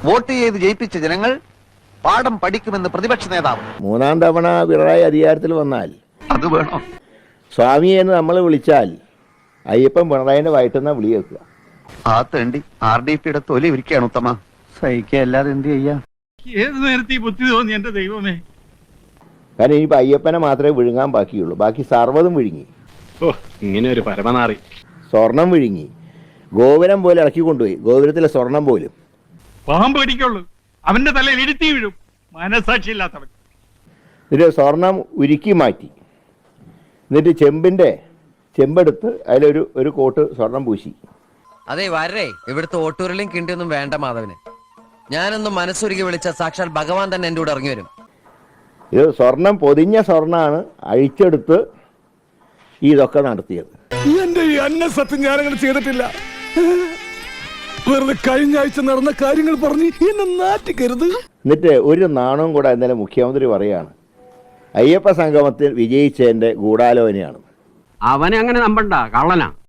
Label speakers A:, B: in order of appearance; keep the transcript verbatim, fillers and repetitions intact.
A: Vote ചെയ്ത് ജയിപ്പിച്ച ജനങ്ങൾ പാഠം പഠിക്കുമെന്ന് പ്രതിപക്ഷ നേതാവ്.
B: മൂന്നാം തവണ പിണറായി അധികാരത്തിൽ വന്നാൽ
A: അത് വേണോ?
B: സ്വാമിയെ എന്ന് നമ്മൾ വിളിച്ചാൽ അയ്യപ്പൻ പിണറായിന്റെ വയറ്റുന്ന വിളി വെക്കുക.
A: ആ തേണ്ടി ആർ ഡി പിയുടെ തൊലി ഇരിക്കുകയാണ് ഉത്തമ. സഹിക്കല്ലാതെ എന്ത് ചെയ്യാ?
C: ഏത് നേരത്തെ ഈ ബുദ്ധി തോന്നി എന്റെ ദൈവമേ.
B: കാരണം ഇനിയിപ്പോ അയ്യപ്പനെ മാത്രമേ വിഴുങ്ങാൻ ബാക്കിയുള്ളൂ. ബാക്കി സർവ്വതും വിഴുങ്ങി.
D: ഓ, ഇങ്ങനെ ഒരു പരമനാറി.
B: സ്വർണം വിഴുങ്ങി. ഗോപുരം പോലെ ഇറക്കി കൊണ്ടുപോയി. ഗോപുരത്തിലെ സ്വർണം പോലും.
C: പാമ്പ് പിടിക്കുള്ളൂ, അവന്റെ തലയിൽ ഇരുത്തി വീഴും. മനസാക്ഷി ഇല്ലാത്തവൻ.
B: എന്നിട്ട് സ്വർണം ഉരുക്കി മാറ്റി. എന്നിട്ട് ചെമ്പിന്റെ ചെമ്പെടുത്ത് അതിലൊരു ഒരു കോട്ട് സ്വർണം പൂശി.
E: അതെ വരേ, ഇവിടുത്തെ ഓട്ടൂരിലും കിണ്ടിയൊന്നും വേണ്ട മാധവന്. ഞാനൊന്നും മനസ്സുരുകി വിളിച്ച സാക്ഷാൽ ഭഗവാൻ തന്നെ എൻ്റെ കൂടെ ഇറങ്ങി വരും.
B: ഇത് സ്വർണം പൊതിഞ്ഞ സ്വർണ്ണമാണ് അഴിച്ചെടുത്ത് ഇതൊക്കെ നടത്തിയത്.
F: എന്റെ ഈ അന്ന സത്യം ഞാനങ്ങനെ ചെയ്തിട്ടില്ല. വെറുതെ കഴിഞ്ഞ ആഴ്ച നടന്ന കാര്യങ്ങൾ പറഞ്ഞ് എന്നെ നാറ്റിക്കരുത്.
B: എന്നിട്ട് ഒരു നാണവും കൂടെ ഇന്നലെ മുഖ്യമന്ത്രി പറയാണ് അയ്യപ്പ സംഗമത്തിൽ വിജയിച്ചതിന്റെ ഗൂഢാലോചനയാണ്.
G: അവനെ അങ്ങനെ നമ്പണ്ട, കള്ളനാ.